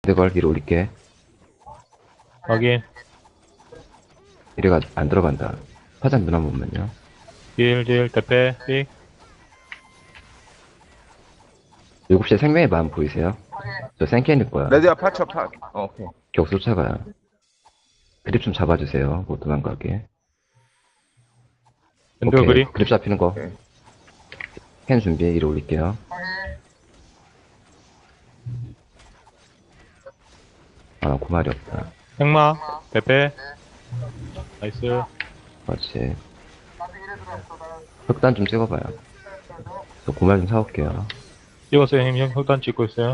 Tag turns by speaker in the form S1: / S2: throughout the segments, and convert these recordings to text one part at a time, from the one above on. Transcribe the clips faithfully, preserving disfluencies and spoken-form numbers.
S1: 내걸 위로 올릴게.
S2: 확인.
S1: 이래가 안 들어간다. 화장 눈 한 번만요.
S2: 딜, 딜, 대패, 삑.
S1: 일곱 시에 생명의 마음 보이세요? 저 생캔일 거야.
S3: 레드야 파쳐 파. 어, 오케이.
S1: 격 쫓아가요. 그립 좀 잡아주세요. 못 도망가게.
S2: 엔드
S1: 오케이.
S2: 그립.
S1: 그립 잡히는 거.
S3: 오케이.
S1: 캔 준비. 위로 올릴게요. 아, 고말이 없다.
S2: 행마, 대패. 나이스.
S1: 그렇지. 흑단 좀 찍어봐요. 저 고말 좀 사올게요.
S2: 찍었어요, 형님. 형, 혈단 찍고 있어요.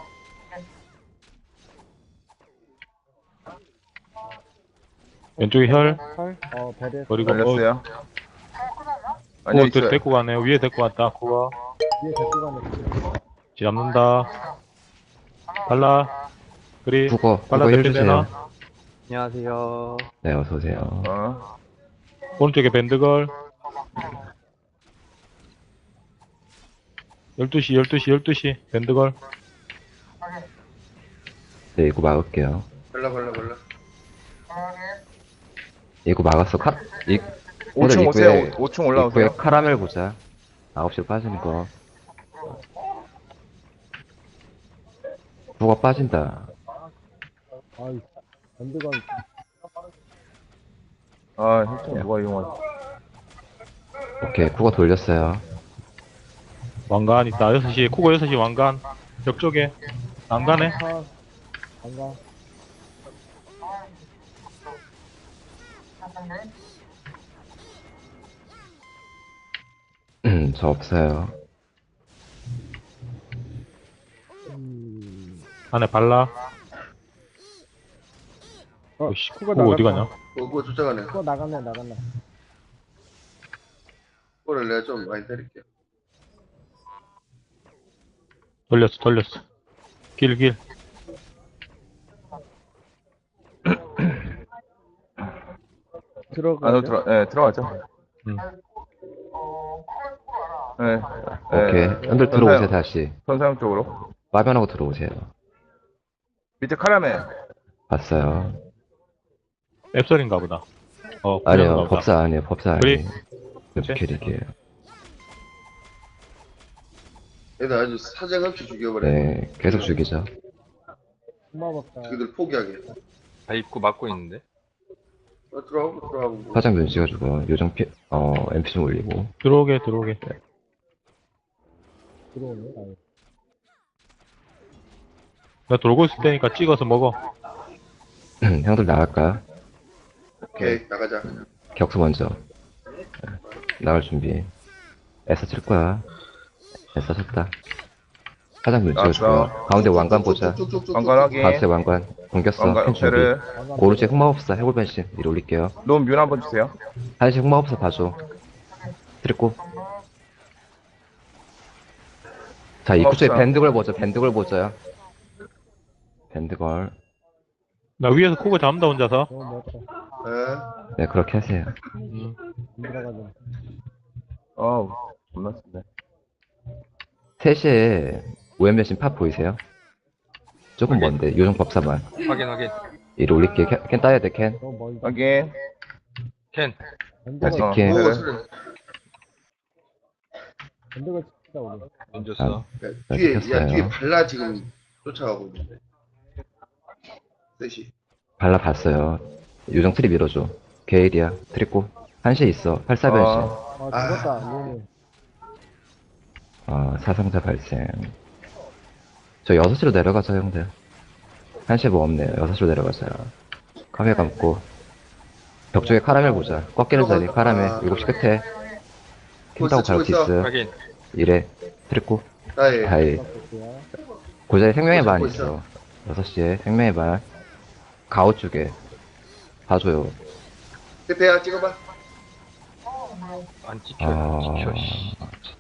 S2: 왼쪽에 혈.
S4: 어, 배를
S2: 그리고, 어,
S3: 걸렸어요.
S2: 그거
S3: 아니요
S2: 들
S3: 있어요.
S2: 데리고 가네요. 위에 데리고 왔다, 그거.
S4: 위에 데리고 가는
S2: 잡는다. 발라. 그리.
S1: 국어,
S2: 발라
S1: 국어 힐
S2: 대패
S1: 주세요.
S2: 되나?
S4: 안녕하세요.
S1: 네, 어서오세요.
S3: 어.
S2: 오른쪽에 밴드걸. 열두 시, 열두 시, 열두 시. 밴드걸.
S1: 네, 이거 막을게요.
S3: 걸려 걸려 걸려.
S1: 이거 막았어. 카, 이,
S3: 오 층
S1: 오늘
S3: 오세요.
S1: 입구에-
S3: 오 층 올라오세요.
S1: 입구에 카라멜 보자. 아홉 시로 빠지는 거. 국어 빠진다.
S4: 아이, 밴드가
S3: 아, 힐튼 누가 이용하지?
S1: 오케이, 국어 돌렸어요.
S2: 왕관 있다. 여섯 시, 코고 여섯 시 왕관. 벽 쪽에. 난간에.
S4: 파, 안가.
S1: 음, 저 없어요.
S4: 음,
S2: 안에 발라.
S4: 어,
S2: 오씨,
S4: 코가
S2: 코고 어디
S4: 나갔다.
S2: 가냐?
S5: 그거 쫓아가네.
S4: 그거 나갔네, 나갔네.
S5: 그거를 내가 좀 많이 때릴게요.
S2: 돌렸어, 돌렸어. 길, 길.
S4: 들어가.
S3: 안으로 들어, 예, 들어가죠.
S2: 음.
S3: 예.
S1: 오케이. 형들 들어오세요, 다시.
S3: 선사형 쪽으로.
S1: 빠변하고 들어오세요.
S3: 밑에 카라멜.
S1: 봤어요.
S2: 앱설인가 보다. 어,
S1: 아니요,
S2: 그런가 보다.
S1: 법사 아니에요, 법사
S2: 그래?
S1: 아니에요. 웹캐릭이에요.
S5: 얘들 아주 사정없이 죽여버려.
S1: 네, 계속 죽이죠.
S4: 고마웠다.
S5: 자기들 포기하게.
S6: 다 입구 막고 있는데?
S5: 어, 들어가고 들어가고.
S1: 화장 눈 찍어주고, 요정 피, 어, 엠피 좀 올리고.
S2: 들어오게, 들어오게.
S4: 들어오네. 아이.
S2: 나 돌고 있을 테니까 찍어서 먹어.
S1: 형들 나갈까요?
S5: 오케이 나가자.
S1: 격수 먼저. 네, 나갈 준비. 애써 칠 거야. 애써 쳤다. 화장 눈 찍어주고.
S3: 알았어.
S1: 가운데 왕관 보자.
S5: 쭉쭉쭉쭉.
S3: 왕관 확인.
S1: 가운데 왕관. 공겼어.
S3: 왕관
S1: 캔 준비.
S3: 배를.
S1: 오른쪽에 흑마법사 해골변신. 위로 올릴게요.
S3: 놈 뮤 한번 주세요.
S1: 한시 흑마법사 봐줘. 트리고. 자, 입구 쪽에
S3: 흑마법사.
S1: 밴드걸 보죠. 밴드걸 보죠요. 밴드걸.
S2: 나 위에서 코고 잡는다, 혼자서.
S4: 너무 멋져.
S5: 네.
S1: 네, 그렇게 하세요.
S2: 음.
S4: 안 들어가죠.
S3: 어우, 겁나 쓴데.
S1: 세 시에 오엠변신 팝 보이세요? 조금
S6: 오케이.
S1: 먼데, 요정 법사만.
S6: 확인 확인.
S1: 위로 올릴게. 캔, 캔 따야 돼, 캔.
S4: 너무 멀다.
S3: 확인.
S6: 캔.
S4: 밴드가,
S3: 됐어.
S1: 이렇게.
S5: 오
S3: 네.
S5: 소리.
S4: 밴드가 진짜 오네.
S6: 던졌어.
S5: 야, 뒤에 야
S1: 시켰어요.
S5: 뒤에 발라 지금 쫓아가고 있는데. 셋이.
S1: 발라봤어요. 요정 트리 밀어줘. 게일이야. 트리고. 한시에 있어. 팔사변신.
S3: 어,
S4: 아, 죽었다. 너무.
S1: 어, 사상자 발생. 저 여섯 시로 내려가자, 형들. 한시에 뭐 없네요. 여섯 시로 내려가자. 카메라 감고. 벽 쪽에 카라멜 보자. 꺾이는 자리, 카라멜. 일곱 시 끝에. 킨타고 바로
S5: 치고 있어.
S1: 디스.
S6: 확인.
S1: 이래. 트리고.
S5: 나의
S1: 다이.
S4: 볼게요.
S1: 그 자리에 생명의
S5: 잡고
S1: 반
S5: 있어.
S1: 있어. 여섯 시에 생명의 반. 가오 쪽에. 봐줘요.
S5: 대패야 찍어봐.
S6: 안 찍혀.
S1: 아.
S6: 찍혀. 씨.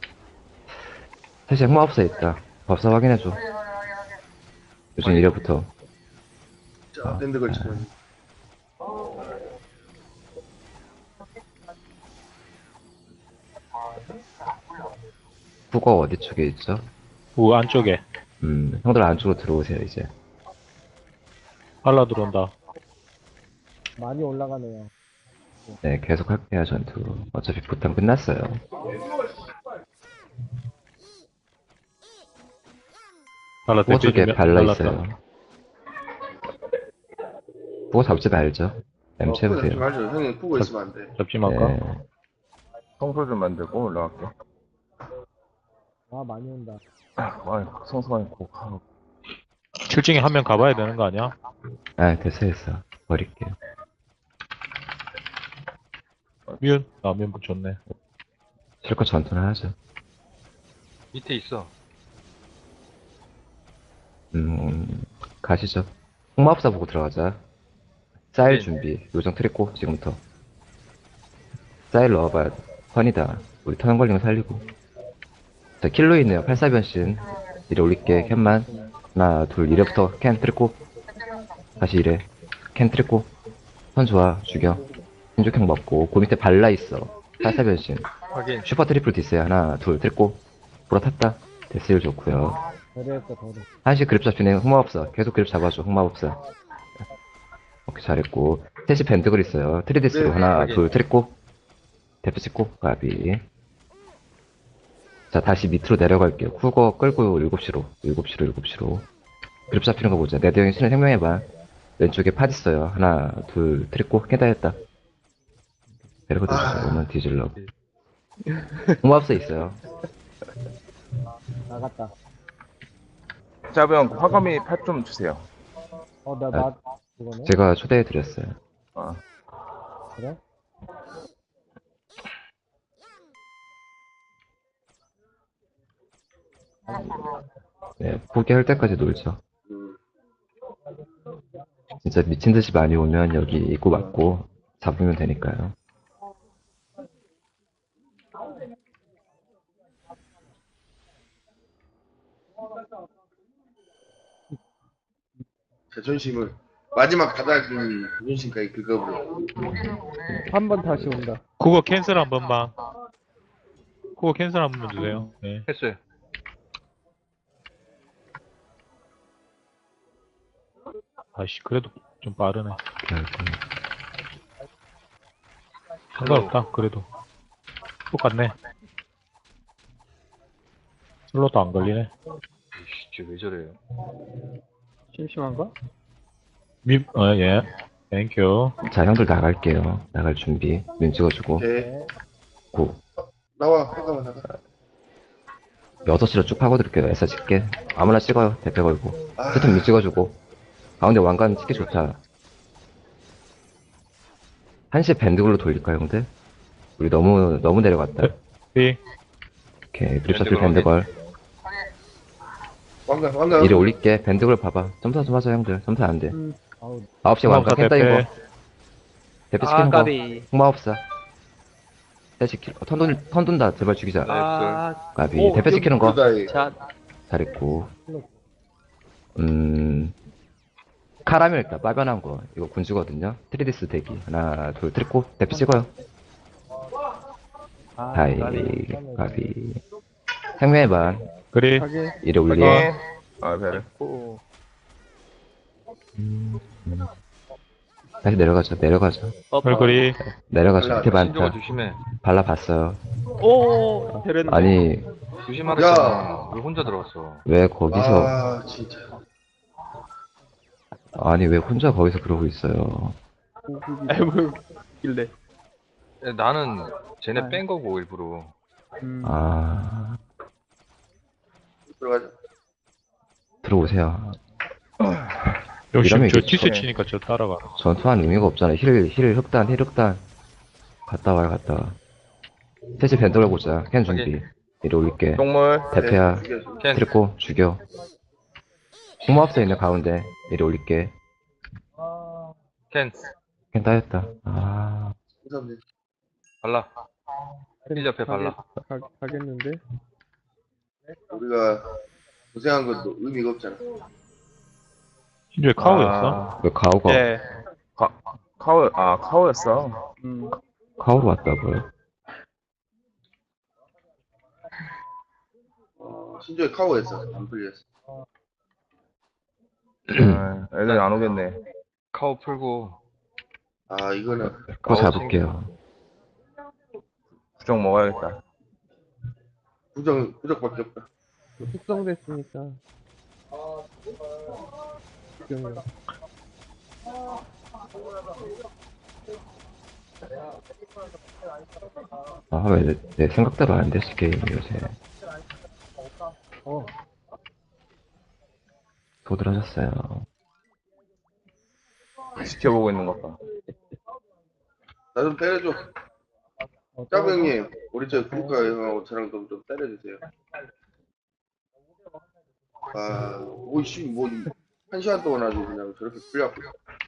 S1: 사실 흑마법사 있다. 법사 확인해줘. 요즘 이래부터.
S5: 자 밴드 걸치고 있는.
S1: 국어 어디 쪽에 있죠?
S2: 우 안쪽에.
S1: 음, 형들 안쪽으로 들어오세요, 이제.
S2: 발라 들어온다.
S4: 많이 올라가네요.
S1: 네, 계속 할게요, 전투. 어차피 부탄 끝났어요.
S2: 발라
S1: 부어
S2: 대피
S1: 쪽에
S2: 좀
S1: 발라
S2: 발랐다.
S1: 있어요. 부어 잡지 말죠. M
S5: 어, 푸고 잡지
S1: 채우세요.
S5: 말죠. 형님 푸고 있으면 안 돼.
S2: 잡지 말까?
S1: 네.
S3: 성소 좀 만들고 올라갈게.
S4: 아, 많이 온다.
S3: 아, 성소가 고 아,
S2: 칠 층에 한 명 가봐야 되는 거 아니야?
S1: 아, 됐어, 됐어. 버릴게요.
S2: 미운? 아, 미운 붙였네.
S1: 실컷 전투는 하죠.
S6: 밑에 있어.
S1: 음, 가시죠. 홍마법사 보고 들어가자. 사일
S6: 네.
S1: 준비. 요정 트리고, 지금부터. 사일 넣어봐야 돼. 턴이다. 우리 턴 걸리면 살리고. 자, 킬로 있네요. 팔사변신. 이래 올릴게. 캔만. 하나, 둘, 이래부터 캔 트리고. 다시 이래. 캔 트리고. 턴 좋아. 죽여. 신족형 먹고. 그 밑에 발라 있어. 팔사변신.
S6: 확인.
S1: 슈퍼 트리플 디스야. 하나, 둘, 트리고. 불어 탔다. 데스일 좋고요.
S4: 더리했다, 더리.
S1: 한시 그립 잡히네. 흑마법사. 계속 그립 잡아줘. 흑마법사. 오케이, 잘했고. 셋이 밴드글 있어요. 트리디스로
S5: 네,
S1: 하나,
S6: 확인.
S1: 둘, 트리고. 대표 찍고, 가비. 자, 다시 밑으로 내려갈게요. 쿠거 끌고 일곱 시로. 일곱 시로, 일곱 시로. 그립 잡히는 거 보자. 네드 형이 신을 생명해봐. 왼쪽에 팟 있어요. 하나, 둘, 트리고. 깨다 했다. 데리고 드셨어요. 오면 뒤질러. 흑마법사 있어요.
S4: 나갔다.
S3: 짜병 화검이 팔 좀 주세요.
S4: 어, 나, 나, 그거네?
S1: 제가 초대해드렸어요.
S3: 아,
S4: 그래?
S1: 네, 포기할 때까지 놀죠.
S5: 음,
S1: 진짜 미친 듯이 많이 오면 여기 입구 막고 잡으면 되니까요.
S5: 자존심을 마지막 가닥인 자존심까지 긁어버려.
S4: 한 번 다시 온다.
S2: 그거 캔슬 한 번만. 그거 캔슬 한 번만 주세요. 네.
S6: 했어요.
S2: 아씨, 그래도 좀 빠르네.
S1: 결국.
S2: 상관없다, 그래도. 똑같네. 슬로도 안 걸리네.
S6: 이씨, 쟤왜 저래요?
S2: 심심한가? 미, 어, 예. 땡큐.
S1: 자, 형들 나갈게요. 나갈 준비. 눈 찍어주고.
S5: 네.
S1: 고.
S5: 나와. 잠깐만 나가.
S1: 여섯 시로 쭉 파고들게요. 에서 찍게. 아무나 찍어요. 대패 걸고.
S5: 아,
S1: 세튼 눈 찍어주고. 가운데 왕관 찍기 좋다. 한시에 밴드글로 돌릴까요, 형들? 우리 너무, 너무 내려갔다.
S2: 삐.
S1: 오케이. 그립 셔틀
S6: 밴드걸
S1: 밴드걸.
S5: 왕관 왕관.
S1: 이리 올릴게. 밴드걸 봐봐. 점사 좀 하자, 형들. 점사 안 돼.
S4: 음, 아우,
S1: 아홉 시 왕관 캔 따인 거. 대패 시키는 거. 홍마법사. 대시 킬. 어, 턴 돈, 턴 돈다. 제발 죽이자.
S6: 아,
S1: 가비. 대패 시키는 거.
S5: 다이.
S1: 잘했고. 음, 카라멜 일단 빠변한 거. 이거 군주거든요. 트리디스 대기. 하나, 둘, 트리코. 대피 찍어요. 다이, 가비. 생명의 반.
S2: 그리.
S1: 이래 올리.
S3: 확인. 아, 배를.
S1: 다시 내려가죠. 내려가죠.
S2: 얼그리.
S1: 내려가죠.
S5: 발라,
S1: 밑에
S6: 신조가
S1: 많다.
S6: 조심해.
S1: 발라봤어요.
S7: 오, 데렸네.
S1: 아니,
S6: 조심하랬잖아. 왜 혼자 들어왔어?
S1: 왜 거기서,
S5: 아 진짜.
S1: 아니, 왜 혼자 거기서 그러고 있어요.
S7: 아이고, 길래.
S6: 야, 나는 쟤네 뺀 거고 일부러.
S7: 음,
S1: 아,
S5: 들어가자.
S1: 들어오세요.
S2: 역시
S1: 이러면
S2: 저
S1: 이게
S2: 티스
S3: 좀-
S2: 치니까 저 따라가.
S1: 전투한 의미가 없잖아. 힐, 힐 흑단, 힐 흑단. 갔다 와요, 갔다 와. 셋이 밴드걸 보자. 캔 준비. 이리 올릴게.
S3: 똥물.
S1: 대패야.
S5: 네, 죽여.
S6: 캔.
S1: 트리코, 죽여. 홍마법사 있네, 가운데. 이리 올릴게.
S6: 캔.
S1: 캔 따였다. 아,
S5: 감사합니다.
S6: 발라. 힐 옆에 발라.
S7: 가, 가겠는데?
S5: 우리가 고생한 것도 의미가 없잖아.
S2: 신조에 카우였어?
S1: 왜 가오가,
S7: 예.
S3: 카우, 아, 카우였어.
S7: 음,
S1: 가오로 왔다고요?
S5: 어, 신조에 카오했어. 안 풀렸어.
S3: 아, 애들 안 오겠네.
S6: 카오 풀고
S5: 아 이거는
S1: 또
S6: 아우,
S1: 잡을게요.
S3: 부정 먹어야겠다.
S5: 부정 부적밖에 없다.
S4: 숙성됐으니까. 숙성이요.
S1: 아, 왜 내, 내 생각대로 안 됐지, 게임이 요새.
S4: 어,
S1: 도드라졌어요.
S3: 지켜보고 있는 것 봐.
S5: 나 좀 때려줘.
S4: 어,
S5: 짜부 형님, 우리 저 구독자 형하고 저랑 좀, 좀 때려주세요. 아, 오이씨, 뭐, 한 시간 동안 아주 그냥 저렇게 풀려갖고.